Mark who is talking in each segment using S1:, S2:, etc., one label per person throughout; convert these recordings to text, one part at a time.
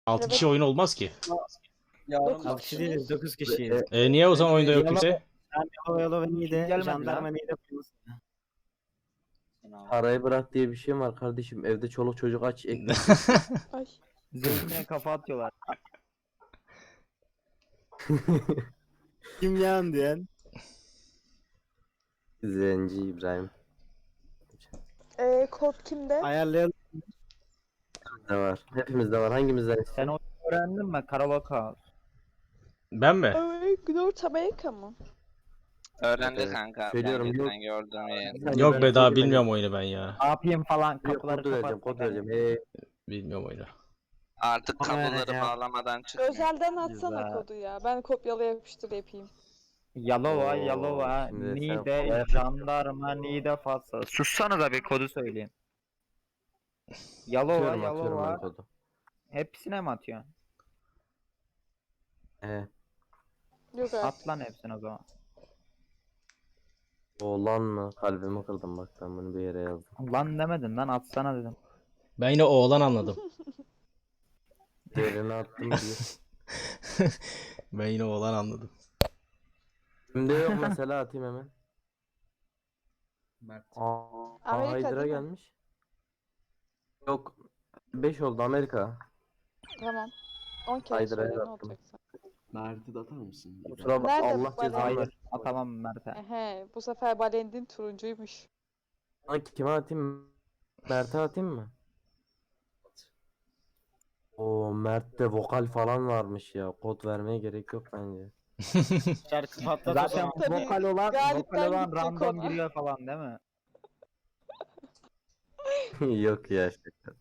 S1: 6
S2: Evet.
S1: kişi oyun olmaz ki.
S3: Yarın
S2: Dokuz
S4: 6 kişi
S2: kişiyiz.
S4: değiliz, 9 kişiyiz.
S1: Niye o zaman oyunda yok kimse?
S4: Sen Yalova iyi
S5: Kim
S4: de
S5: gelmedi
S4: jandarma
S5: lan?
S4: iyi de polis.
S3: Parayı bırak diye bir şey var kardeşim. Evde çoluk çocuk aç ekmek.
S2: Ay.
S5: Zeytine kafa atıyorlar.
S4: Kim yan diyen?
S3: Zenci İbrahim.
S2: Kod kimde?
S4: Ayarlayalım.
S3: De var. Hepimizde var. Hangimizden
S5: Sen
S3: istiyorsun?
S5: onu öğrendin mi? Karabaka.
S1: Ben mi?
S2: Ay, North Amerika mı?
S6: Öğrendi
S3: Evet.
S6: kanka.
S3: Söylüyorum,
S6: Ben
S3: yok.
S6: geçen gördüm yani.
S3: Bir saniye,
S1: Yok
S3: ben
S1: be daha
S3: kodu vereceğim.
S1: bilmiyorum oyunu ben ya.
S5: Ne yapayım falan
S3: Yok,
S5: kapıları
S3: kod vereceğim,
S5: kapat.
S3: kod vereceğim.
S1: Bilmiyorum oyunu.
S6: Artık kabloları
S4: ya.
S6: bağlamadan çıkmıyor.
S2: Özelden atsana
S5: Güzel.
S2: kodu ya. Ben kopyala yapıştır yapayım.
S5: Yalova,
S3: Oo,
S5: Yalova,
S3: şimdi sen
S5: Niğde,
S3: kolay
S5: jandarma, Niğde, Fatsa. Sussana da bir kodu söyleyeyim. Yalova,
S3: Atıyorum ben
S5: Yalova.
S3: kodu.
S5: Hepsine mi atıyorsun?
S2: Yok artık.
S5: At lan hepsine o zaman.
S3: Oğlan mı? Kalbimi kırdım bak, ben bunu bir yere yazdım.
S5: Lan demedin lan atsana dedim.
S1: Ben yine oğlan anladım.
S3: Değerini attım diye.
S1: Ben yine oğlan anladım.
S3: Şimdi yok mesela, atayım hemen. Aa,
S2: Amerika
S3: Hydra
S2: değil mi?
S3: gelmiş. Yok. 5 oldu Amerika.
S2: Tamam. 10 kere
S3: Haydi,
S2: söyle ne
S3: attım.
S2: olacaksa.
S7: Mert'i de atar mısın?
S3: Kusura bak,
S2: Nerede
S3: Allah
S2: bu
S3: cezanı
S2: bale?
S5: Hayır
S3: versin.
S5: atamam Mert'e.
S2: Ehe, bu sefer Balendin turuncuymuş.
S3: Lan kime atayım? Mert'e atayım mı? O Mert'te vokal falan varmış ya. Kod vermeye gerek yok bence.
S4: Şarkı patlat.
S5: Zaten
S2: Tabii,
S5: vokal olan
S2: galipten gidecek
S5: random
S2: ona.
S5: giriyor falan değil mi?
S3: Yok ya. Şaka.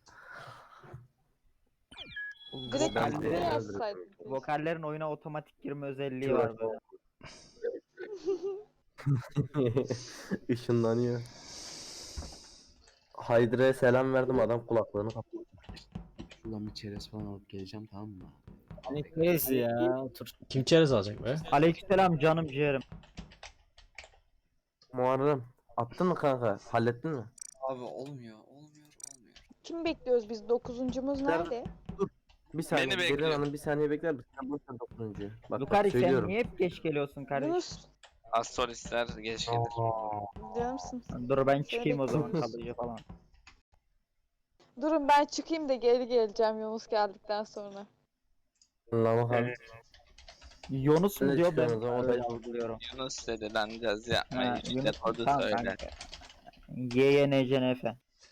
S2: Direkt
S3: Ben
S2: ismini
S3: de-
S2: yazsaydın.
S5: Vokallerin oyuna otomatik girme özelliği
S3: Şurası
S5: var böyle.
S3: Işınlanıyor. Hydra'ya selam verdim, adam kulaklığını kapattı.
S7: Şuradan bir çerez falan alıp geleceğim, tamam mı?
S4: Hani crazy ya, otur.
S1: Kim çerez alacak be?
S5: Aleykümselam canım ciğerim.
S3: Muharrem attın mı kanka? Hallettin mi?
S7: Abi olmuyor.
S2: Kim bekliyoruz biz? 9'uncumuz nerede?
S3: Bir saniye.
S6: Beni
S3: Derin
S6: bekliyor.
S3: Hanım bir saniye bekler misin? Sen boşver 9'uncuyu. Bak, bak
S5: Lukari sen
S3: söylüyorum.
S5: niye hep geç geliyorsun kardeşim?
S2: Yunus,
S6: Astrolistler geç gelir.
S2: canımsın.
S5: Dur ben
S2: Seni
S5: çıkayım o zaman
S2: bekliyoruz.
S5: kalıcı falan.
S2: Durun ben çıkayım da geri geleceğim Yunus geldikten sonra.
S3: Anlamadım.
S5: Yunus mu
S3: Ne
S5: diyor ben
S3: çıkıyorsun o zaman?
S5: öyle algılıyorum.
S6: Yunus dedi lan caz yapmayın.
S5: Ha,
S6: İşte
S5: Yunus
S6: kodu
S5: tamam
S6: söyle.
S5: kanka. YYNCNF.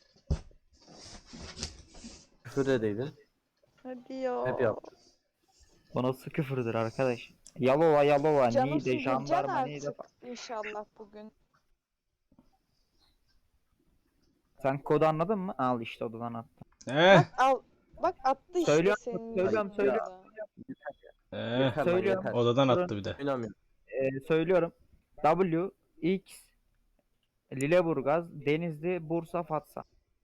S3: Küfür edeydin.
S2: Hadi ya.
S3: Hep yaptın.
S5: Bu nasıl küfürdür arkadaş? Yalova, Yalova,
S2: Canımsın
S5: Niğde,
S2: geleceksin
S5: jandarma, Niğde.
S2: artık inşallah bugün.
S5: Sen kodu anladın mı? Al işte odadan attım.
S2: Al. Bak attı işte
S5: Söylüyorum,
S2: senin
S5: söylüyorum,
S2: yüzünden
S5: söylüyorum.
S2: de.
S3: Yeter lan,
S5: Söylüyorum.
S3: yeter.
S1: Odadan attı bir de.
S3: Oynamıyorum.
S5: Söylüyorum. W, X, Lüleburgaz, Denizli, Bursa, Fatsa.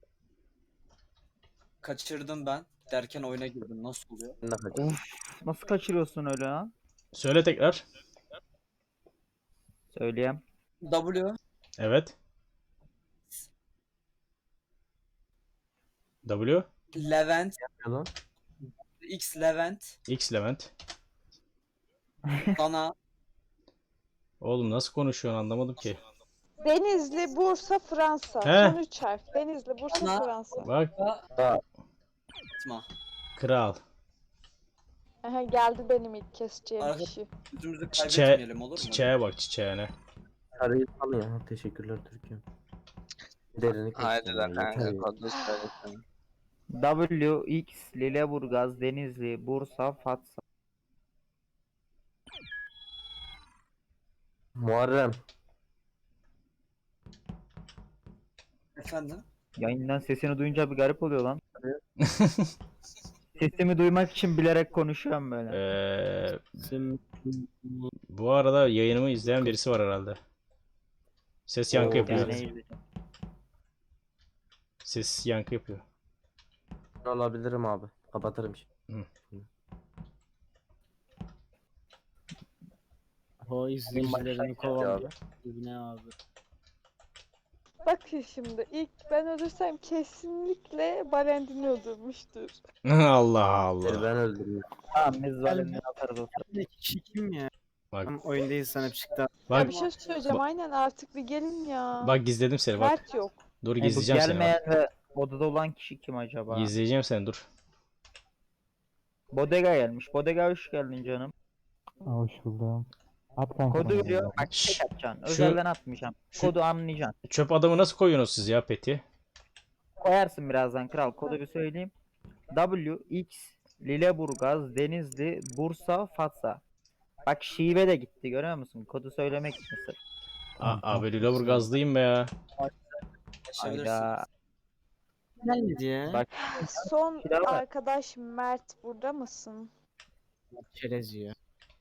S8: Kaçırdım ben. Derken oyuna girdim. Nasıl oluyor?
S3: Ben de kaçayım.
S5: Uf, nasıl kaçırıyorsun öyle ha?
S1: Söyle tekrar.
S5: Söyleyeyim.
S8: W,
S1: Evet. W.
S8: Levent,
S3: Lan.
S8: X Levent,
S1: X Levent.
S8: Dana,
S1: Oğlum nasıl konuşuyorsun anlamadım ki.
S2: Denizli, Bursa, Fransa.
S1: He.
S2: Son 3 harf. Denizli, Bursa,
S8: Ana.
S2: Fransa.
S1: Bak
S8: Fatma.
S1: kral.
S2: Aha, geldi benim ilk keseceğim
S8: Arka-
S2: kişi.
S8: Yüzümüzü
S1: Çiçeğe,
S8: kaybetmeyelim olur mu?
S1: çiçeğe bak çiçeğine.
S3: Sarıyı salın ya. Teşekkürler Türkiye'm. Derini
S6: Haydi
S3: kestim
S6: de
S3: ya, yeter
S6: kanka
S3: ya.
S6: kodu söylesin.
S5: W, X, Lüleburgaz, Denizli, Bursa, Fatsa.
S3: Muharrem.
S8: Efendim?
S5: Yayından sesini duyunca bir garip oluyor lan. Sesimi duymak için bilerek konuşuyorum böyle.
S1: Bu arada yayınımı izleyen birisi var herhalde. Ses yankı
S3: Oo,
S1: yapıyor.
S5: Yani izleyeceğim.
S1: Ses yankı yapıyor.
S3: Alabilirim abi. Kapatırım şimdi.
S4: O izleyicilerini kovalıyor. Ne abi?
S2: Bakın şimdi ilk ben ölürsem kesinlikle Balendin'i öldürmüştür.
S1: Allah Allah.
S3: Ben öldürmüş.
S5: Tamam biz zalimleri atarız o sırada.
S4: İki kişi kim ya?
S1: Bak
S4: Tam oyundayız sana bir çıktı.
S2: Ya
S1: bak
S2: bir şey söyleyeceğim aynen artık bir gelin ya.
S1: bak gizledim seni bak.
S2: Mert yok.
S1: Dur
S5: Bu
S1: gizleyeceğim seni bak.
S5: gelmeyen ve odada olan kişi kim acaba?
S1: Gizleyeceğim seni dur.
S5: Bodega gelmiş. Bodega hoş geldin canım.
S9: Hoş buldum. At kanka
S5: Kodu
S9: bana
S5: veriyor.
S9: ya.
S5: Bak
S1: Şşş,
S5: tek atacaksın.
S1: şu-
S5: Özelden atmayacağım.
S1: şu-
S5: Kodu anlayacaksın.
S1: Çöp adamı nasıl koyuyorsunuz siz ya Peti?
S5: Koyarsın birazdan kral. Kodu bir söyleyeyim. W, X, Lüleburgaz, Denizli, Bursa, Fatsa. Bak şive de gitti görüyor musun? Kodu söylemek için sırf.
S1: Abi Lüleburgazlıyım be ya.
S8: Yaşayabilirsiniz.
S5: Hayda.
S4: Gelmedi ya.
S5: Bak
S2: Son
S5: Silah var.
S2: arkadaş Mert burada mısın?
S4: Çerez yiyor.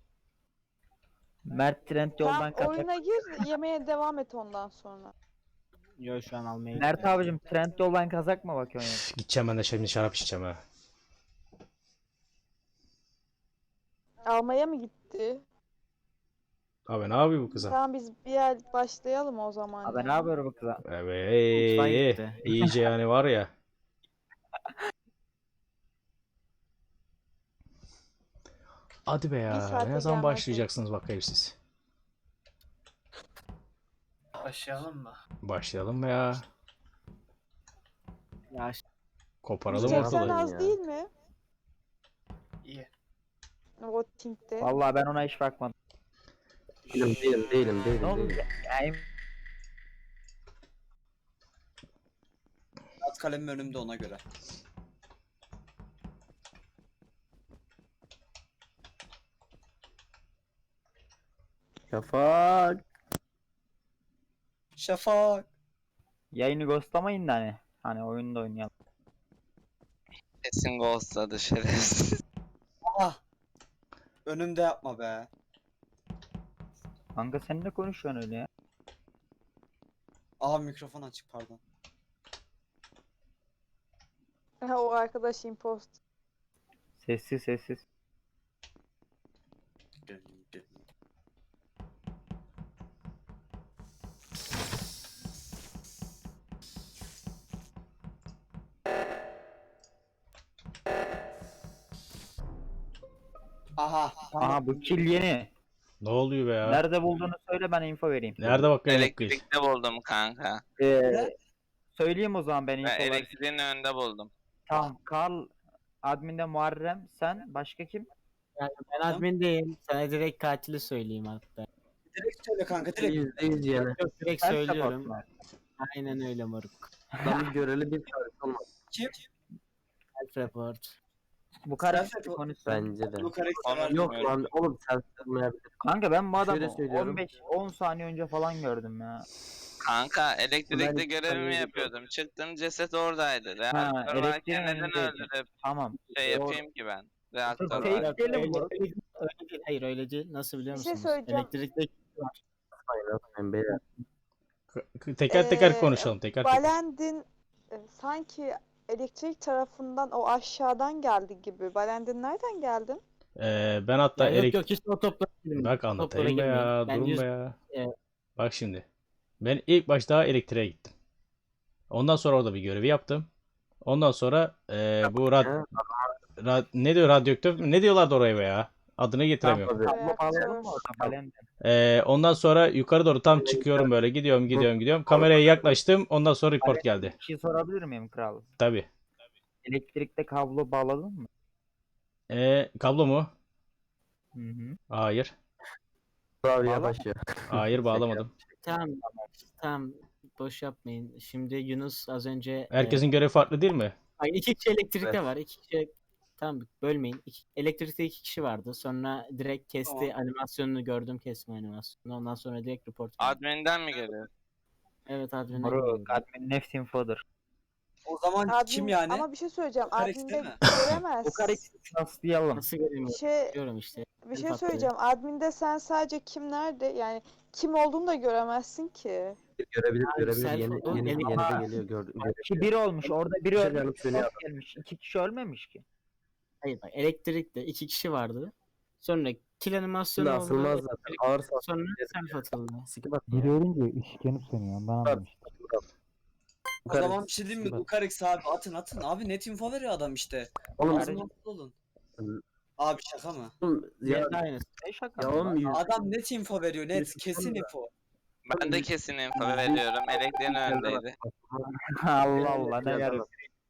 S5: Mert Trend
S2: Tamam
S5: yoldan kaçak.
S2: oyuna gir yemeğe devam et ondan sonra.
S4: Yo şu an almaya
S5: Mert abicim Trend yoldan kazak mı bakıyorsun?
S1: Üf, gideceğim ben de şimdi şarap içeceğim ha.
S2: Almaya mı gitti?
S1: Abi ne yapıyor bu kıza?
S2: Tamam biz bir yer başlayalım o zaman.
S5: Abi
S2: ya.
S5: ne yapıyor bu kıza?
S4: Mutfağa
S1: Evet.
S4: gitti.
S1: İyice yani var ya. Hadi be ya.
S2: saate
S1: Ne zaman
S2: gelmez
S1: başlayacaksınız bakayım siz?
S8: Başlayalım mı?
S1: Başlayalım be ya.
S4: Ya
S1: Koparalım
S2: 180
S1: ortalığı.
S2: az
S3: ya.
S2: değil mi?
S8: İyi.
S2: Voting'de.
S5: Vallahi ben ona hiç bakmadım.
S3: Değilim.
S5: Ne oldu? Yani
S8: At kalemim önümde ona göre.
S3: Şafak.
S8: Şafak.
S5: yayını ghostlamayın da hani. Hani oyunda oynayalım.
S6: Kesin ghostladı şerefsiz.
S8: Ah. Önümde yapma be.
S5: Kanka sen ne konuşuyorsun öyle ya?
S8: Aha mikrofon açık pardon.
S2: Ha, o arkadaş impost.
S5: Sessiz.
S8: Gelin. Aha.
S5: Aha bu kill yeni.
S1: Ne oluyor be ya?
S5: Nerede bulduğunu söyle ben info vereyim.
S1: Nerede bakayım bu kız?
S6: Elektrikte buldum kanka.
S5: Söyleyeyim o zaman ben
S6: Ben
S5: info vereyim.
S6: elektriğin önünde buldum.
S5: Tamam Karl adminde Muharrem sen başka kim?
S4: ben admin değilim. Sana direkt katili söyleyeyim hatta.
S8: Direkt söyle kanka direkt.
S3: %100 yani.
S4: Yok direkt
S5: Sen
S4: söylüyorum.
S5: support mu?
S4: Aynen öyle moruk.
S3: Adamın göreli bir şarkı olmaz.
S8: Kim?
S4: Self report.
S5: Bu karı
S8: Self-report.
S5: konuşsun.
S3: Bence de.
S8: Bu karakter
S6: Onu-
S3: Yok lan oğlum sen sığmayabilir.
S5: Kanka ben bu adamı
S3: Şöyle söylüyorum.
S5: 15-10 saniye önce falan gördüm ya.
S6: Kanka elektrikte
S3: Ben-
S6: görevimi
S3: ben-
S6: yapıyordum. Çıktım ceset oradaydı.
S5: Ha,
S6: Reaktör varken
S5: elektriğin
S6: neden
S5: önündeydi.
S6: öldürüp
S5: Tamam.
S6: şey
S5: Doğru.
S6: yapayım ki ben? Reaktör
S5: Fake
S6: var.
S4: Öyle,
S5: diyelim
S4: öyle,
S5: moruk.
S4: öyle değil. Hayır öyle değil. Nasıl biliyor
S2: Bir şey
S4: musunuz?
S2: söyleyeceğim.
S4: Elektrikte
S3: Aynen beyler.
S1: Teker teker
S2: Ee,
S1: konuşalım. Teker teker.
S2: Balendin sanki elektrik tarafından o aşağıdan geldi gibi. Balendin nereden geldin?
S1: Ben hatta
S4: ya yok hiç o toplara girmeyin.
S1: Bak
S4: O toplara
S1: anlatayım be ya.
S4: girmeyin. Ben
S1: Durun
S4: yüz-
S1: be ya.
S2: e,
S1: Bak şimdi. Ben ilk başta elektriğe gittim. Ondan sonra orada bir görevi yaptım. Ondan sonra bu ne diyor radyoaktör mü? Ne diyorlardı oraya be ya? Adını getiremiyorum.
S3: Tabii.
S5: Kablo bağlayalım mı
S2: Reaktör.
S5: orada Balendin?
S1: Ondan sonra yukarı doğru tam çıkıyorum böyle. Gidiyorum. Kameraya yaklaştım. Ondan sonra report geldi.
S5: Bir şey sorabilir miyim kral?
S1: Tabii.
S5: Elektrikte kablo bağladın mı?
S1: Kablo mu?
S5: Hı hı.
S1: Hayır.
S3: Bravo yavaş ya.
S1: Hayır bağlamadım.
S4: Tamam boş yapmayın. Şimdi Yunus az önce
S1: Herkesin görevi farklı değil mi?
S4: ay, iki kişi elektrikte var. İki kişi tamam bölmeyin. Elektrikte iki kişi vardı. Sonra direkt kesti
S8: Tamam.
S4: animasyonunu gördüm kesme animasyonunu. Ondan sonra direkt report geldi.
S6: Admin'den mi geliyor?
S4: Evet admin'den
S5: Moruk
S4: geldi.
S5: admin nefs infodur.
S8: O zaman
S2: Admin,
S8: kim yani?
S2: Ama bir şey söyleyeceğim.
S8: Karakter
S2: Admin'de
S8: mi?
S2: göremez.
S5: Bu karakter rastlayalım.
S4: Nasıl göreyim?
S2: Bir şey,
S4: Görüyorum işte.
S2: bir şey
S4: Fatih.
S2: söyleyeceğim. Admin'de sen sadece kim nerede yani kim olduğunu da göremezsin ki.
S3: Görebilir.
S4: self-
S3: Yeni
S4: Ama-
S3: de geliyor gördüm.
S5: Ki biri olmuş orada biri
S3: Bir şey
S5: ölmüş.
S3: yanıp sönüyor.
S5: Çok gelmiş. İki kişi ölmemiş ki.
S4: Hayır bak elektrikte iki kişi vardı. Sonra kill animasyonu
S3: Asılmaz
S4: oldu.
S3: zaten. Ağır
S4: Sonra self atıldı.
S3: Sikip at.
S9: Biri ölünce ışık yanıp sönüyor. Ondan anladım işte.
S8: O zaman bir şey diyeyim mi? Lucarix abi atın abi net info veriyor adam işte.
S3: Oğlum,
S8: Ağzını olun. Abi şaka mı?
S3: ya,
S4: Ya aynısı.
S3: ya oğlum
S8: Adam net info veriyor net
S3: Yüz-
S8: kesin info.
S6: Ben de kesin info veriyorum. Elektriğin önündeydi.
S5: Allah Allah ne yarıyor.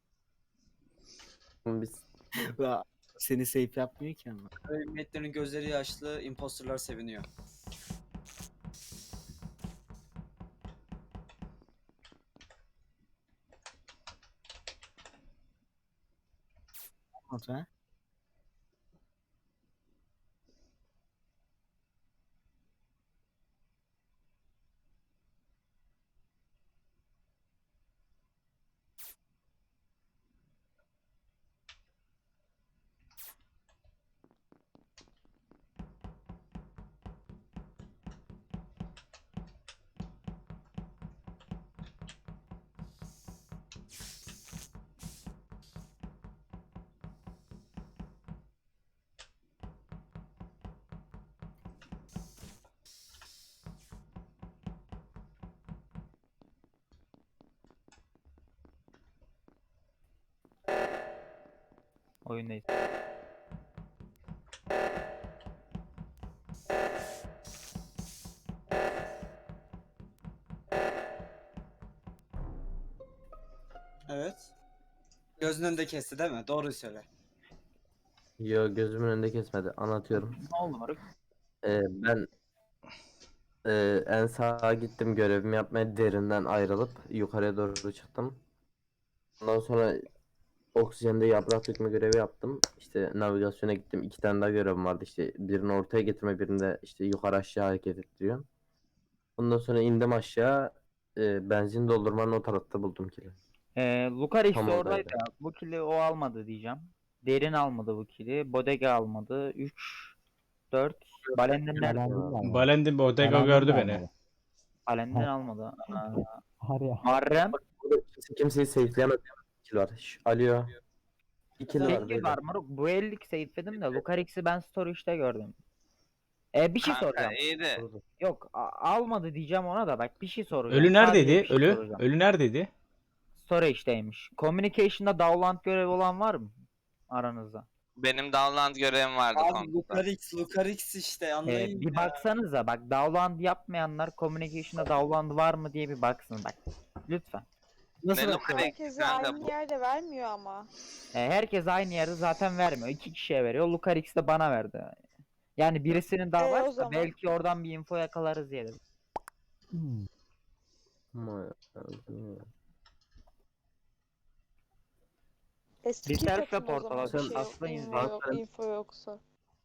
S3: biz
S4: Seni safe yapmıyor ki ama.
S8: Ümmetlerin gözleri yaşlı, imposterlar seviniyor.
S4: Oldu ha?
S5: Oyundayız.
S8: Evet. Gözünün önünde kesti değil mi? Doğruyu söyle.
S3: yo gözümün önünde kesmedi. Anlatıyorum.
S4: Ne oldu moruk?
S3: Ben en sağa gittim görevimi yapmaya derinden ayrılıp yukarıya doğru çıktım. Ondan sonra oksijende yaprak dökme görevi yaptım. İşte navigasyona gittim. 2 tane daha görevim vardı. İşte birini ortaya getirme, birinde işte yukarı aşağı hareket ettiriyor. Ondan sonra indim aşağı. Benzin doldurmanın o tarafta buldum kili.
S5: Lucarix
S3: Tam
S5: oradaydı.
S3: oradaydı.
S5: Bu kili o almadı diyeceğim. Derin almadı bu kili. Bodega almadı. 3 4 Balenden nerede?
S9: Balendin var.
S1: Balendin Bodega gördü beni.
S5: Balenden almadı.
S9: Var ya.
S5: Muharrem.
S3: Burada kimseyi safe'leyemedi. Kill var. Alo. 2 var
S5: Sevgi
S3: böyle.
S5: var moruk. Bu ellik seyitledim de Lucarix'i ben storage'da gördüm. Bir şey
S6: Kanka
S5: soracağım.
S6: iyiydi.
S5: Yok almadı diyeceğim ona da bak bir şey soracağım.
S1: Ölü
S5: Sadece
S1: neredeydi?
S5: bir şey
S1: Ölü.
S5: soracağım.
S1: Ölü neredeydi?
S5: Storage'deymiş. Communication'da Dowland görevi olan var mı aranızda?
S6: Benim download görevim vardı
S8: Abi
S6: komuta.
S8: Lucarix işte anlayın
S5: Bir
S8: ya.
S5: baksanıza bak Dowland yapmayanlar Communication'da Dowland var mı diye bir baksın bak. Lütfen.
S4: Nasıl
S6: Ne
S4: bakıyor?
S6: Lucarix
S2: Herkese
S6: kanka
S2: aynı
S6: bu?
S2: yerde vermiyor ama.
S5: Herkes aynı yeri zaten vermiyor. 2 kişiye veriyor. Lucarix de bana verdi. Yani birisinin daha
S2: O
S5: varsa
S2: zaman.
S5: belki oradan bir info yakalarız diye dedim.
S9: Hmm.
S2: Eski
S5: Bir self
S2: takım o
S5: report
S2: zaman
S5: alalım.
S2: bir şey yok,
S5: Aslı
S2: info
S5: izleyin.
S2: yok, info yoksa.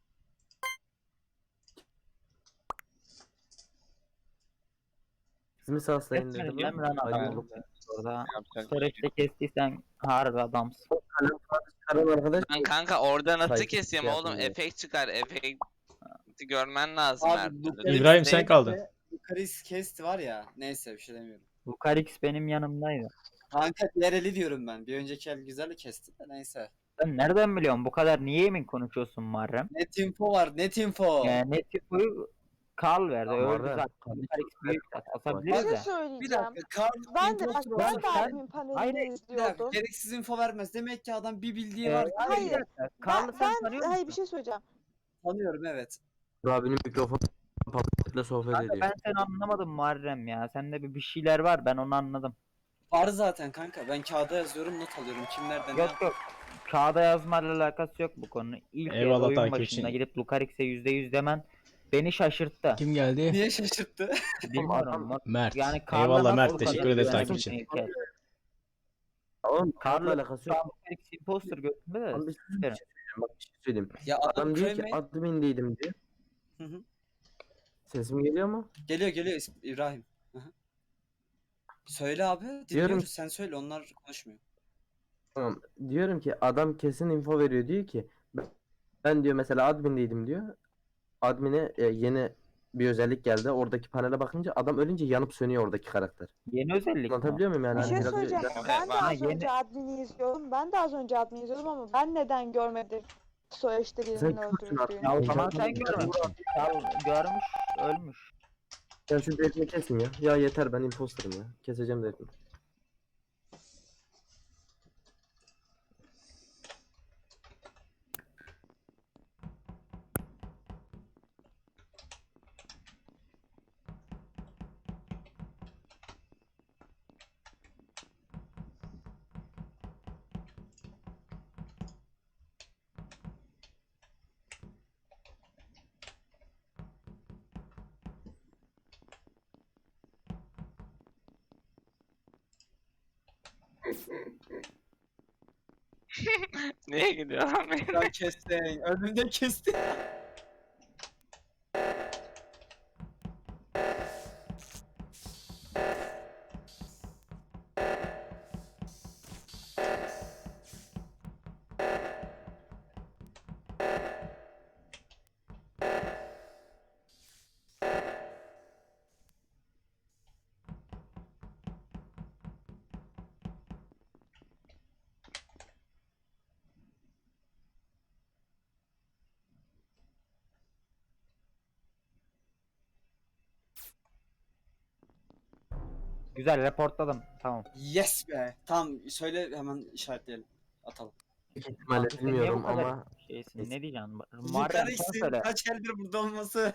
S3: İsmi saslayın dedim.
S5: Kesmeyeceğim lan adamı
S3: Alo.
S5: Lucarix orada.
S6: Yapacak.
S5: Storage'de kestiysen harbi adamsın.
S3: Çıkaran arkadaş.
S6: Ben kanka orada nasıl
S3: Saygı
S6: keseyim
S3: şey
S6: oğlum?
S3: yapmıyor.
S6: Efekt çıkar. Efekti görmen lazım her
S8: Abi
S6: türlü.
S8: Lucarix
S1: İbrahim, sen
S8: değil
S1: kaldın.
S8: de Lucarix kesti var ya. Neyse bir şey demiyorum.
S5: Lucarix benim yanımdaydı.
S8: Kanka diğer eli diyorum ben. Bir önceki el güzel kesti de neyse.
S5: Sen nereden biliyorsun bu kadar niye emin konuşuyorsun Muharrem?
S8: Net info var net info.
S5: Ne tipoyu Karl verdi.
S3: Tamam,
S5: Öldü
S3: Muharrem.
S5: zaten. Lucarix büyük
S2: Bir
S5: asabiliriz
S2: şey
S5: de.
S8: Bir
S2: söyleyeceğim.
S8: dakika. Karl
S2: Ben de bak
S8: impostor
S2: ben de
S8: olsa-
S2: admin panelini
S5: Hayır,
S8: Bir dakika.
S2: izliyordum.
S8: Gereksiz info vermez. Demek ki adam bir bildiği
S5: Ee,
S8: var.
S2: Hayır.
S5: Karl'ı sen tanıyor musun?
S2: Hayır bir şey söyleyeceğim.
S8: Tanıyorum evet.
S3: Abinin mikrofonu papetle sohbet
S5: Kanka
S3: ediyor.
S5: ben seni anlamadım Muharrem ya. Sende bir şeyler var ben onu anladım.
S8: Var zaten kanka. Ben kağıda yazıyorum not alıyorum. Kim nereden ne
S5: Yok yok. Kağıda yazmayla alakası yok bu konu. İlk
S1: Eyvallah
S5: oyun
S1: takip
S5: başında
S1: için.
S5: gidip Lucarix'e %100 demen beni şaşırttı.
S1: Kim geldi?
S8: Niye şaşırttı?
S5: Bilmiyorum.
S1: Mert.
S5: Yani Karl'a
S1: Eyvallah
S5: nasıl
S1: Mert.
S5: bu
S1: Teşekkür
S5: kadar
S1: ederiz takip
S5: güvenirsin
S1: için.
S5: ilk el?
S3: Oğlum
S5: Karl'la
S3: Karl'la alakası
S5: şu an
S3: yok.
S5: Lucarix imposter götünde de.
S3: Lan bir şey
S5: sikerim.
S3: söyleyeyim. Bak bir şey söyleyeyim.
S8: Ya
S3: Adam diyor ki
S8: Cremate-
S3: admindeydim diyor.
S8: Hı hı.
S3: Sesim geliyor mu?
S8: Geliyor İbrahim. Hı hı. Söyle abi. Dinliyoruz.
S3: Diyorum-
S8: Sen söyle. Onlar konuşmuyor.
S3: Tamam. Diyorum ki adam kesin info veriyor diyor ki ben diyor mesela admindeydim diyor. Admine yeni bir özellik geldi. Oradaki panele bakınca adam ölünce yanıp sönüyor oradaki karakter.
S5: Yeni özellik mi?
S3: Anlatabiliyor muyum yani?
S2: Bir
S3: Hani
S2: şey
S3: biraz-
S2: söyleyeceğim.
S3: biraz-
S2: Ben de
S6: bana
S2: az
S5: yeni-
S2: önce admini izliyordum. Ben de az önce admini izliyordum ama ben neden görmedim Soğuş'ta birinin
S3: Sen kimsin
S2: öldürdüğünü.
S5: Ya o zaman
S9: Zaten
S5: sen görmemişsin. Karl görmüş, ölmüş.
S3: Ya şu derini kesin ya. Ya yeter, ben imposterım ya. Keseceğim derini.
S6: Niye gidiyor lan benim?
S8: Ben kestin. Önümde kestin.
S5: Güzel reportladım. Tamam.
S8: Yes be. Tamam söyle hemen işaretleyelim. Atalım.
S3: Büyük ihtimalle
S5: Kanka sen niye bu
S3: bilmiyorum
S5: kadar
S3: ama
S5: şeysin? Ne diyeceksin? Muharrem
S8: Yukarı
S5: sen
S8: isim.
S5: söyle.
S8: Kaç eldir burada olması.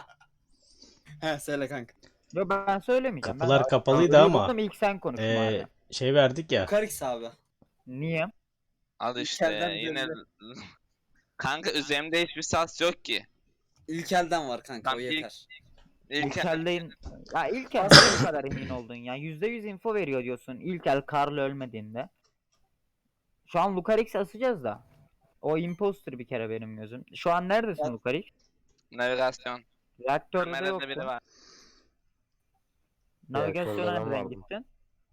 S8: He söyle kanka.
S5: Yo ben söylemeyeceğim.
S1: Kapılar
S5: ben
S1: kapalıydı ama
S5: buldum, ilk sen konuş Muharrem.
S1: şey verdik ya.
S8: Yukarix abi.
S5: Niye?
S6: Al işte
S8: İlkelden
S6: yine.
S8: belli.
S6: Kanka üzerimde hiçbir sas yok ki.
S8: İlk elden var kanka o
S6: Tam ilk-
S8: yeter.
S6: İlk
S5: İlkel'deyin. Ya İlkel nasıl bu kadar emin oldun ya? %100 info veriyor diyorsun İlkel Karl ölmediğinde. Şu an Lucarix'i asacağız da. O imposter bir kere benim gözüm. Şu an neredesin
S8: Ben-
S5: Lucarix?
S6: navigasyon.
S5: Reaktörde
S6: Kamerada
S5: yoksun.
S6: biri var.
S5: Navigasyona
S3: Reaktörde ben
S5: nereden
S3: vardım.
S5: gittin?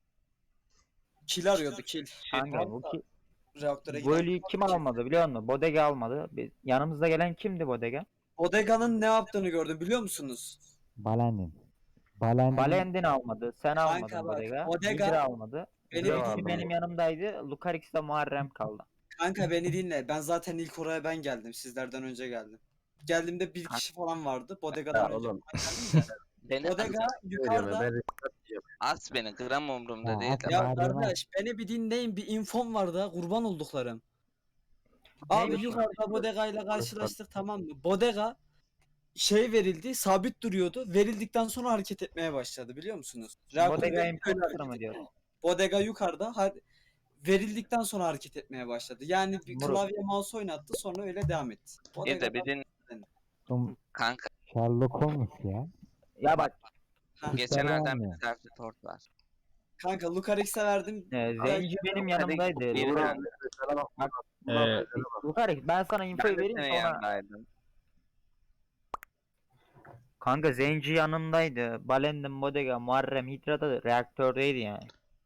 S8: Kill arıyordu kill.
S5: Hangi bu ki?
S8: Reaktöre
S5: Bu
S8: giden.
S5: ölüyü kim almadı biliyor musun? Bodega almadı. Yanımızda gelen kimdi Bodega?
S8: Bodega'nın ne yaptığını gördüm biliyor musunuz?
S9: Balendin. Balendin.
S5: Balendin almadı. Sen
S8: Kanka
S5: almadın
S8: bak,
S5: Bodega.
S8: Bodega
S5: Midra almadı.
S8: beni
S3: Midra
S8: bir
S3: vardı.
S8: dinle.
S5: Benim yanımdaydı. Lucarix de Muharrem kaldı.
S8: Kanka beni dinle. Ben zaten ilk oraya ben geldim. Sizlerden önce geldim. Geldiğimde bir kişi falan vardı. Bodega'dan
S3: Ya
S8: önce
S3: oğlum.
S8: ben geldim de.
S6: Beni
S8: Bodega
S3: Söylüyorum ya,
S8: yukarıda.
S3: ben restart diyeceğim.
S6: as beni gram umurumda
S9: Ya,
S6: değil.
S9: at
S8: Ya
S9: Muharrem'e at.
S8: kardeş beni bir dinleyin. Bir infom var da kurban olduklarım. Abi
S5: Neymiş?
S8: yukarıda Bodega ile karşılaştık tamam mı? Bodega şey verildi, sabit duruyordu. Verildikten sonra hareket etmeye başladı biliyor musunuz? Reaktörde
S5: Bodega
S8: böyle
S5: imposter
S8: hareket
S5: mı
S8: ediyor.
S5: diyor?
S8: Bodega yukarıda verildikten sonra hareket etmeye başladı. Yani bir
S5: Moruk.
S8: klavye mouse oynattı sonra öyle devam etti.
S6: Bir de
S8: Bodega
S6: bir din
S9: Oğlum,
S6: kanka.
S9: Sherlock Holmes ya.
S5: Ya bak
S6: Geçen
S9: Kuşlar
S6: elden
S9: vermiyor.
S6: bir self report var.
S8: kanka Lucarix'e verdim.
S5: Zenci benim yanımdaydı.
S6: Bir
S3: Uğur
S6: ben-
S3: abi, mesela bak,
S1: Ee,
S5: Lucarix ben sana infoyu
S6: Ben de
S5: vereyim
S6: senin
S5: sonra.
S6: yanındaydım.
S5: Kanka Zenci yanımdaydı. Balendin, Bodega, Muharrem, Hydra da reaktördeydi yani.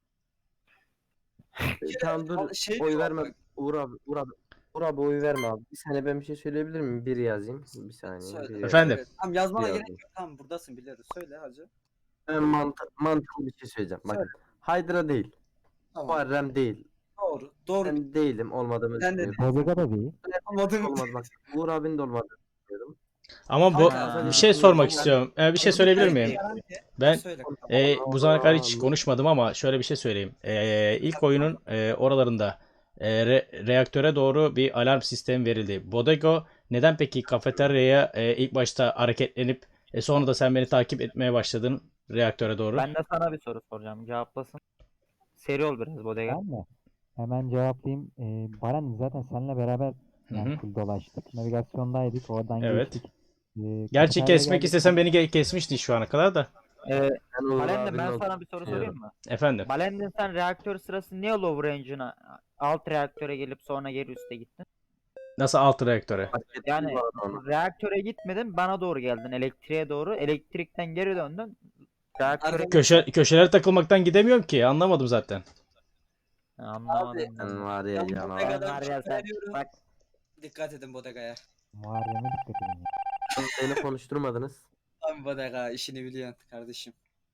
S3: Tamam dur,
S8: Şey
S3: oy
S8: diyor,
S3: verme.
S8: bak,
S3: Uğur abi oy verme abi. Bir saniye ben bir şey söyleyebilir miyim? Bir yazayım. Bir saniye.
S8: söyle.
S3: bir yazayım.
S1: Efendim?
S8: Evet. Tamam yazmana
S3: Biraz
S8: gerek yok. Tamam buradasın biliyoruz. Söyle hacı.
S3: Ben mantıklı bir şey söyleyeceğim. Bak,
S8: Söyle.
S3: Hydra değil.
S8: Tamam.
S3: Muharrem değil.
S8: Doğru. Doğru.
S3: Ben değilim, olmadığımı
S8: Ben de
S3: düşünüyorum.
S9: Bodega da değil.
S8: Anladım.
S3: Olmaz bak. Uğur abinin de olmadığını düşünüyorum.
S1: ama bu
S8: Kanka,
S1: bir şey sormak istiyorum. Bir şey söyleyebilir miyim? Ben
S8: Söyle.
S1: bu zamana kadar hiç konuşmadım ama şöyle bir şey söyleyeyim. İlk oyunun oralarında reaktöre doğru bir alarm sistemi verildi. Bodego neden peki kafeteryaya ilk başta hareketlenip sonra da sen beni takip etmeye başladın reaktöre doğru?
S5: Ben de sana bir soru soracağım. Cevaplasın. Seri ol biraz Bodega.
S9: Ben mi? Hemen cevaplayayım. Balendin zaten seninle beraber
S1: Hı
S9: yani
S1: hı.
S9: full dolaştık. Navigasyondaydık. Oradan
S1: Evet.
S9: geçtik.
S1: Gerçi
S9: Kafeteryaya
S1: kesmek
S9: geldik.
S1: istesen beni kesmiştin şu ana kadar da.
S3: Ben Uğur
S5: Balendin
S3: abinin
S5: ben
S3: olduğunu
S5: sana bir soru sorayım
S3: düşünüyorum.
S5: mı?
S1: Efendim.
S5: Balendin sen reaktör sırası niye lower range'ına alt reaktöre gelip sonra geri üste gittin?
S1: Nasıl alt reaktöre?
S3: Fark ettim
S5: Yani
S3: bu arada onu.
S5: reaktöre gitmedin bana doğru geldin elektriğe doğru. Elektrikten geri döndün. Reaktöre
S1: Köşelere takılmaktan gidemiyorum ki. Anlamadım zaten.
S5: Anlamadım.
S3: Sen var ya
S8: Ben
S3: canavar.
S8: Bodega'dan
S5: Var ya sen-
S8: veriyorum.
S5: bak
S8: Dikkat edin Bodega'ya.
S9: Muharrem'e dikkat edin. Ya.
S3: Beni konuşturmadınız.
S8: Tamam Bodega işini biliyorsun kardeşim.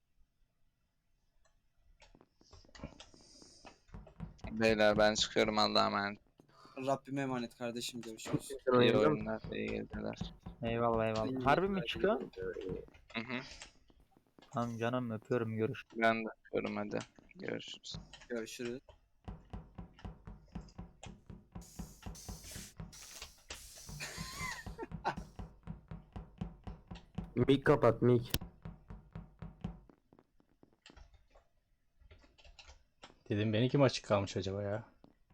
S6: Beyler ben çıkıyorum Allah'a emanet.
S8: Rabbime emanet kardeşim görüşürüz.
S3: Sen
S6: İyi
S3: oynuyor musun?
S6: oyunlar, iyi geceler.
S5: eyvallah eyvallah. Harbi mi çıkıyor?
S6: Hı hı.
S5: Tamam canım, öpüyorum, görüşürüz.
S6: Ben de yapıyorum, hadi. Görüşürüz.
S8: Görüşürüz.
S3: Mik kapat mik.
S1: Dedim benimki mi açık kalmış acaba ya?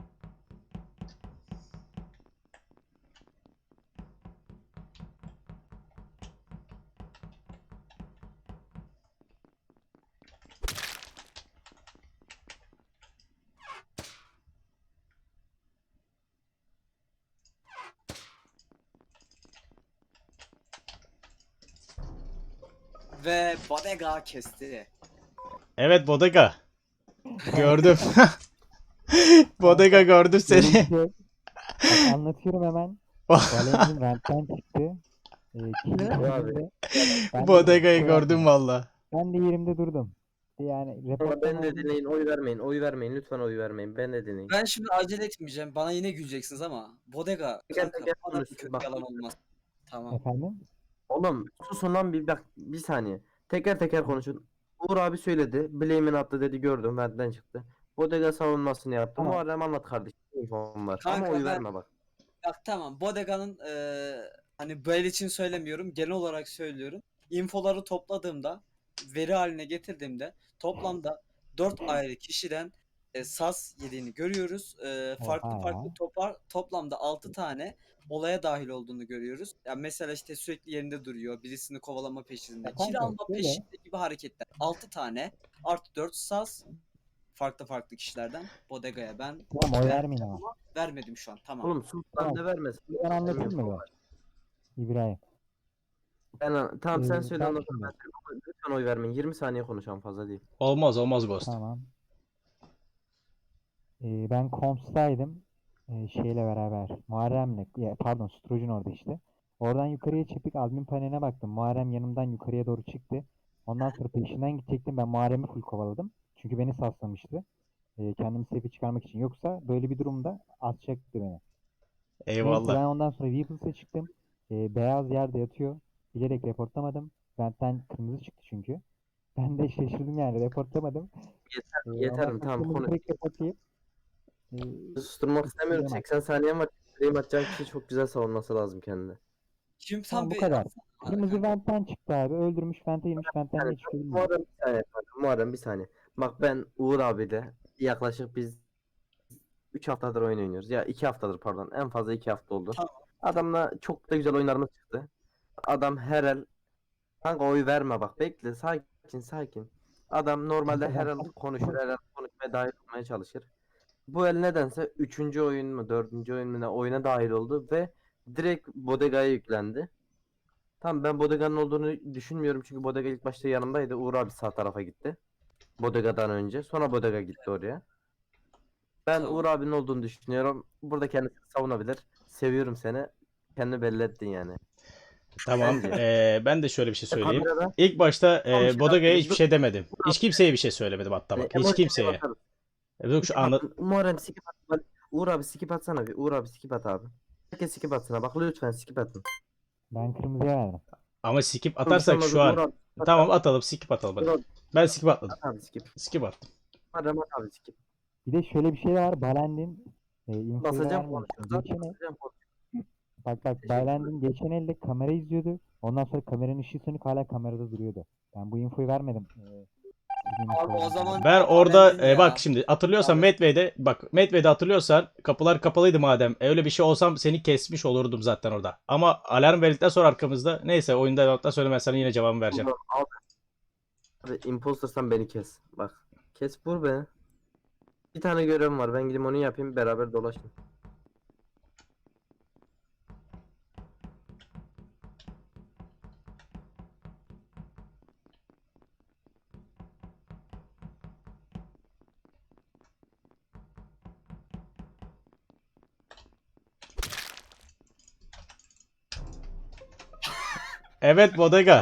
S8: Ve Bodega kesti.
S1: Evet Bodega. Gördüm. Bodega gördüm
S9: Şöyle bir
S1: seni.
S9: şey- Bak, anlatıyorum hemen. Valentin rentten çıktı. Kilit
S3: Abi.
S9: önünde. Ben de
S1: Bodega'yı
S9: şey
S1: gördüm
S9: yapmadım.
S1: valla.
S9: Ben de yerimde durdum. Yani
S3: Ama
S9: reportlama
S3: ben de
S9: oldu.
S3: dinleyin, oy vermeyin, oy vermeyin, lütfen oy vermeyin. Ben de dinleyin.
S8: Ben şimdi acele etmeyeceğim. Bana yine güleceksiniz ama Bodega
S3: Teker
S8: kanka
S3: teker
S8: bana
S3: konuşsun,
S8: kötü
S3: bak.
S8: yalan olmaz. Tamam.
S9: Efendim?
S3: Oğlum susun lan bir bak, bir saniye. Teker teker konuşun. Uğur abi söyledi. Blame'ini attı dedi, gördüm, benden çıktı. Bodega savunmasını yaptı.
S9: Tamam.
S3: Muharrem anlat kardeşim. İnfom var.
S8: Kanka
S3: Ama oy
S8: ben-
S3: verme bak.
S8: Bak tamam Bodega'nın hani böyle için söylemiyorum. Genel olarak söylüyorum. Infoları topladığımda veri haline getirdiğimde toplamda 4 ayrı kişiden sas yediğini görüyoruz. Farklı
S9: Oha.
S8: farklı toplamda 6 tane olaya dahil olduğunu görüyoruz. Yani mesela işte sürekli yerinde duruyor. Birisini kovalama peşinde.
S9: Kanka,
S8: Kill alma
S9: şöyle.
S8: peşinde gibi hareketler. 6 tane artı 4 sas farklı farklı kişilerden Bodega'ya ben
S9: Tamam, oy vermeyin ama.
S8: vermedim şu an. Tamam.
S3: Oğlum sus lan,
S9: Tamam.
S3: ne vermesin.
S9: Ben anlatayım mı be? İbrahim.
S3: Tamam sen
S9: Ee,
S3: söyle,
S9: bak
S3: ondan
S9: şimdi.
S3: sonra lütfen oy vermeyin. 20 saniye konuşalım, fazla değil.
S1: Olmaz Ghost.
S9: Tamam. Ben Komps'taydım. Şeyle beraber. Muharrem'le. Pardon, Stroj'un orada işte. Oradan yukarıya çıktık. Admin paneline baktım. Muharrem yanımdan yukarıya doğru çıktı. Ondan sonra peşinden gidecektim. Ben Muharrem'i full kovaladım. Çünkü beni saslamıştı. Kendimi safe'e çıkarmak için. Yoksa böyle bir durumda atacaktı beni. Neyse, ben
S1: Eyvallah.
S9: ondan sonra Weebles'e çıktım. Beyaz yerde yatıyor. Bilerek reportlamadım. Benden kırmızı çıktı çünkü. Ben de şaşırdım yani, reportlamadım.
S3: Yeterim,
S9: Ondan sonra
S3: tamam,
S9: kırmızı
S3: konuş.
S9: direkt reportlayıp
S3: Susturmak istemiyorum.
S9: Bilemem.
S3: 80 saniyen var. Blame atacağın kişi çok güzel savunması lazım kendine.
S8: Şimdi
S9: Tamam,
S8: tam
S9: bu
S8: bir
S9: kadar.
S8: atsana
S9: Kırmızı
S8: kanka.
S9: ventten çıktı abi. Öldürmüş, vente girmiş, ventten
S3: Yani,
S9: ne çıkıyor bilmiyorum.
S3: Muharrem bir saniye. Muharrem bir saniye. Bak ben Uğur abiyle yaklaşık biz 3 haftadır oyun oynuyoruz. Ya 2 haftadır pardon. En fazla 2 hafta oldu.
S8: Tamam.
S3: Adamla çok da güzel oyunlarımız çıktı. Adam her el, kanka oy verme bak, bekle, sakin. Adam normalde her el konuşur, her el konuşmaya dahil olmaya çalışır. Bu el nedense 3. oyun mu 4. oyun mu ne oyuna dahil oldu ve direkt Bodega'ya yüklendi. Tamam, ben Bodega'nın olduğunu düşünmüyorum çünkü Bodega ilk başta yanımdaydı. Uğur abi sağ tarafa gitti. Bodega'dan önce. Sonra Bodega gitti oraya. Ben
S8: Tamam.
S3: Uğur abinin olduğunu düşünüyorum. Burada kendisini savunabilir. Seviyorum seni. Kendini belli ettin yani.
S1: Tamam.
S3: Bence.
S1: Ben de şöyle bir şey söyleyeyim.
S3: Kamerada
S1: İlk başta
S3: Tamam, şey
S1: Bodega'ya
S3: yapayım.
S1: hiçbir şey demedim. Hiç kimseye bir şey söylemedim hatta bak. Hiç
S3: emojiye
S1: kimseye.
S3: bakarız.
S1: Yok şu anlat.
S3: Muharrem skip at. Uğur abi skip atsana bir. Uğur abi skip at abi. Herkes skip atsana. Bak lütfen skip atın.
S9: Ben kırmızıya verdim.
S1: Ama skip atarsak şu
S3: Uğur
S1: an.
S3: abi,
S1: Tamam atalım, skip atalım
S3: Uğur
S1: hadi.
S3: abi,
S1: Ben skip atladım.
S3: at abi skip.
S1: Skip attım.
S3: Muharrem at abi skip.
S9: Bir de şöyle bir şey var. Balendin infoyu
S3: Basacağım
S9: vermiyor.
S3: konuşacağım.
S9: Geçen el,
S3: Basacağım
S9: bak
S3: Teşekkür
S9: Balendin geçen elde kamera izliyordu. Ondan sonra kameranın ışığı sönük, hala kamerada duruyordu. Ben bu infoyu vermedim. Sizin
S8: Abi o
S9: infoyu
S8: zaman
S9: verdim.
S1: Ben orada
S8: Valentine ya.
S1: bak şimdi hatırlıyorsan
S8: Abi.
S1: Medve'de hatırlıyorsan kapılar kapalıydı madem. Öyle bir şey olsam seni kesmiş olurdum zaten orada. Ama alarm verdikten sonra arkamızda neyse oyunda hatta söylemez sana yine cevabımı vereceğim.
S3: Ulan abi impostersan beni kes. Bak. Kes vur beni. Bir tane görevim var. Ben gideyim onu yapayım, beraber dolaşın.
S1: Evet Bodega.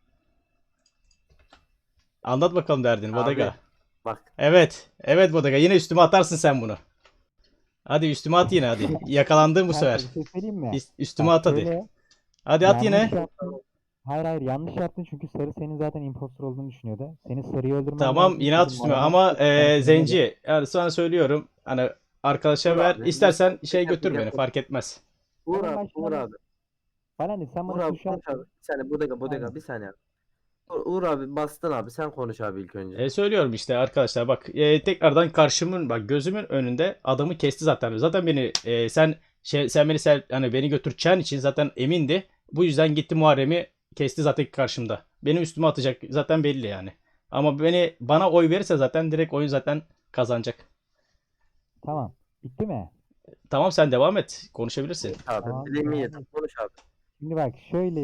S1: Anlat bakalım derdini Bodega.
S3: Abi, bak.
S1: Evet Bodega, yine üstüme atarsın sen bunu. Hadi üstüme at yine hadi. Yakalandın bu
S9: Kanka,
S1: sefer.
S9: bir şey söyleyeyim mi?
S1: Üstüme
S9: Bak
S1: at hadi.
S9: şöyle,
S1: Hadi at yine.
S9: yanlış yaptın. Hayır hayır, yanlış yaptın çünkü sarı senin zaten impostor olduğunu düşünüyordu. Senin sarıyı öldürmen
S1: Tamam
S9: lazım.
S1: inat
S9: Dedim,
S1: üstüme
S9: Muharrem
S1: ama
S9: sana
S1: Zenci yani sana söylüyorum hani arkadaşa
S3: Uğur
S1: ver
S3: abi,
S1: istersen
S3: lütfen
S1: şey
S3: teker
S1: götür
S3: teker
S1: beni
S3: konuş.
S1: fark etmez.
S3: Uğur
S9: Hemen
S3: abi, Uğur
S9: başlama.
S3: abi.
S9: Balendi sen
S3: Uğur
S9: bana
S3: abi
S9: suç
S3: konuş abi.
S9: attın.
S3: Bir saniye bodega
S9: Aynen.
S3: bir saniye abi. Uğur abi bastın abi sen konuş abi ilk önce.
S1: Söylüyorum işte arkadaşlar bak tekrardan karşımın bak gözümün önünde adamı kesti zaten. Zaten beni sen beni hani beni götüreceğin için zaten emindi. Bu yüzden gitti Muharrem'i kesti zaten karşımda. Benim üstüme atacak zaten belli yani. Ama bana oy verirse zaten direkt oyun zaten kazanacak.
S9: Tamam. Bitti mi?
S1: Tamam sen devam et. Konuşabilirsin.
S3: Abi
S9: Tamam.
S3: bileğimi
S9: Devam
S3: yedim
S9: et.
S3: konuş abi.
S9: Şimdi bak şöyle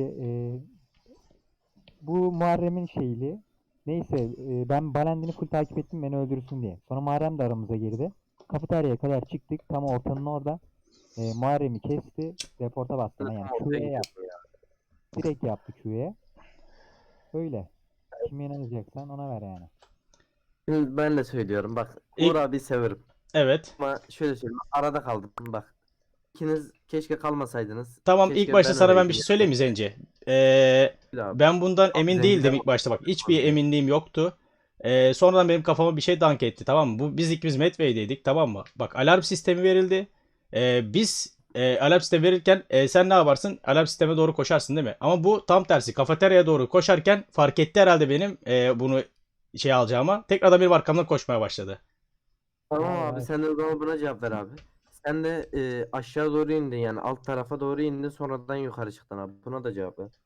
S9: bu Muharrem'in şeyli. Neyse ben Balendin'i full takip ettim beni öldürsün diye. Sonra Muharrem de aramıza girdi. Kafeteryaya kadar çıktık. Tam ortanın orada. Muharrem'i kesti. Reporta bastı.
S3: Ben de
S9: Yani
S3: tam ortaya
S9: Q'ye yaptı.
S3: gidiyordum ya.
S9: Direkt yaptı Q'ye. Öyle. Kime inanacaksan ona ver yani.
S3: Şimdi ben de söylüyorum bak Uğur
S1: İlk,
S3: abi severim.
S1: evet.
S3: Ama şöyle söyleyeyim arada kaldım bak. İkiniz keşke kalmasaydınız.
S1: Tamam ilk
S3: Keşke
S1: başta
S3: ben
S1: sana ben bir
S3: öleydim
S1: şey
S3: yani.
S1: söyleyeyim mi Zenci?
S3: Abi.
S1: Ben bundan
S3: Abi
S1: emin
S3: Zenci'den
S1: değildim ilk başta bak. Hiçbir
S3: bahsediyorum.
S1: eminliğim yoktu. Sonradan benim kafama bir şey dank etti tamam mı? Biz ikimiz Medway'deydik tamam mı? Bak alarm sistemi verildi. Biz alarm sistemi verirken sen ne yaparsın? Alarm sisteme doğru koşarsın değil mi? Ama bu tam tersi. Kafeteryaya doğru koşarken fark etti herhalde benim bunu şey alacağıma. Tekrardan benim arkamdan koşmaya başladı.
S3: Tamam
S9: Hayır,
S3: abi
S9: hayır.
S3: sen de o zaman buna cevap ver abi. Sen de aşağı doğru indin yani alt tarafa doğru indin sonradan yukarı çıktın abi. Buna da cevap ver.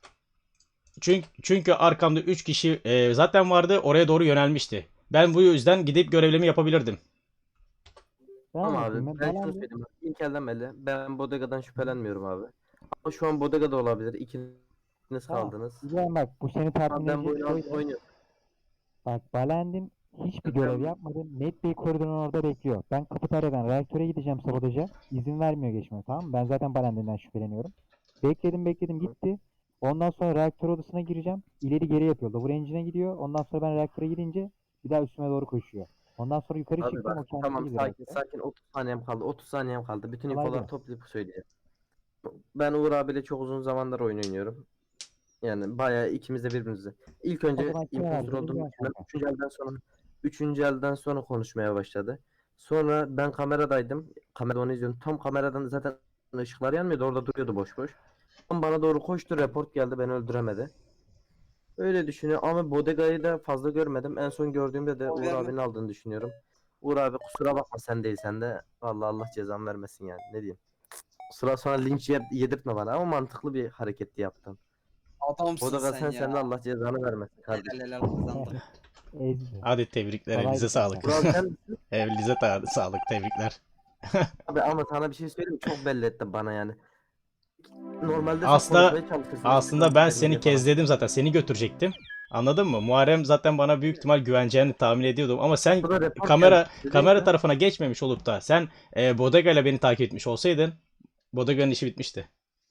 S1: Çünkü arkamda 3 kişi zaten vardı. Oraya doğru yönelmişti. Ben bu yüzden gidip görevlerimi yapabilirdim.
S9: Ben
S3: Tamam
S9: anlatayım.
S3: abi
S9: Ben
S3: ben şunu
S9: Balendi
S3: söyleyeyim. Bak, İlk elden belli. Ben Bodega'dan şüphelenmiyorum abi. Ama şu an Bodega'da olabilir. İkiniz
S9: tamam.
S3: kaldınız.
S9: İbrahim bak bu seni tatmin
S3: Ama ben bu
S9: edecek
S3: oyunu
S9: şöyle.
S3: oynuyorum.
S9: Bak Balendin hiçbir görev yapmadı. Net Bey koridorun orada bekliyor. Ben kafeteryadan reaktöre gideceğim sabotaja. İzin vermiyor geçmeye tamam mı? Ben zaten Balendin'den şüpheleniyorum. Bekledim gitti. Ondan sonra reaktör odasına gireceğim. İleri geri yapıyor. Lower Engine'e gidiyor. Ondan sonra ben reaktöre girince bir daha üstüme doğru koşuyor. Ondan sonra yukarı
S3: Abi
S9: çıktım. O
S3: bak
S9: kendisi
S3: tamam
S9: girdi
S3: sakin
S9: reaktöre.
S3: sakin 30 saniyem kaldı. 30 saniyem kaldı. Bütün
S9: Kolay
S3: infoları
S9: gelsin.
S3: toplayıp söyleyeceğim. Ben Uğur abiyle çok uzun zamandır oyun oynuyorum. Yani bayağı ikimiz de birbirimize. İlk
S9: O
S3: önce
S9: zaman kime
S3: impostor
S9: verdiğini
S3: olduğumu
S9: biliyorsun
S3: düşünüyorum.
S9: kanka.
S3: Üçüncü elden sonra konuşmaya başladı. Sonra ben kameradaydım. Kamerada onu izliyorum. Tam kameradan zaten ışıklar yanmıyordu. Orada duruyordu boş boş. Tam bana doğru koştu. Report geldi. Beni öldüremedi. Öyle düşünüyor ama Bodega'yı da fazla görmedim. En son gördüğümde de Uğur
S8: Vermem.
S3: abinin aldığını düşünüyorum. Uğur abi kusura bakma sen değilsen de. Vallahi Allah cezanı vermesin yani. Ne diyeyim. Kusura sonra linç yedirtme bana ama mantıklı bir hareketti yaptın.
S8: Adamsın
S3: Bodega
S8: sen
S3: sen de
S8: ya.
S3: Allah cezanı vermesin kardeşim.
S8: Helal kazandım.
S9: Ezdi.
S1: Hadi tebrikler
S9: Kolaydı
S1: elinize
S9: kanka.
S1: sağlık.
S3: Uğur abi sen
S1: Elinize sağlık tebrikler.
S3: abi ama sana bir şey söyleyeyim mi? Çok belli ettin bana yani. Normalde sen
S1: Aslında
S3: konuşmaya çalışırsın.
S1: aslında ben
S3: Dedin
S1: seni
S3: diye falan.
S1: kezledim zaten. Seni götürecektim. Anladın mı? Muharrem zaten bana büyük ihtimal güveneceğini tahmin ediyordum ama sen
S3: Burada report
S1: kamera
S3: geldi. Dedin
S1: kamera
S3: ya.
S1: tarafına geçmemiş olup da sen Bodega ile beni takip etmiş olsaydın Bodega'nın işi bitmişti.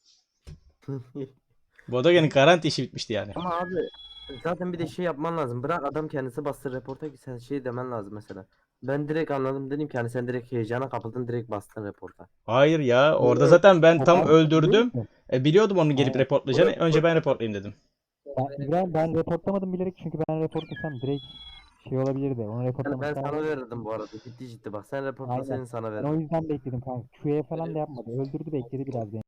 S1: Bodega'nın garanti işi bitmişti yani.
S3: Ama abi zaten bir de şey yapman lazım. Bırak adam kendisi bastır reporta ki sen şey demen lazım mesela. Ben direkt anladım dedim ki hani sen direkt heyecana kapıldın direkt bastın reporta.
S1: Hayır ya orada
S3: Burada
S1: zaten ben tam
S9: Ben biliyor
S1: öldürdüm.
S9: musun?
S1: Biliyordum onun gelip
S9: Aynen.
S1: reportlayacağını. Önce ben reportlayayım dedim.
S9: İbrahim ben reportlamadım bilerek çünkü ben reportlasam direkt şey olabilirdi. Onu
S3: Yani ben
S9: reportlamak
S3: sana
S9: lazım.
S3: verirdim bu arada. Ciddi ciddi bak sen
S9: Aynen.
S3: reportlasaydın sana
S9: Ben o
S3: verirdim.
S9: yüzden bekledim kanka. Q'ye falan da yapmadı. Öldürdü bekledi biraz beni.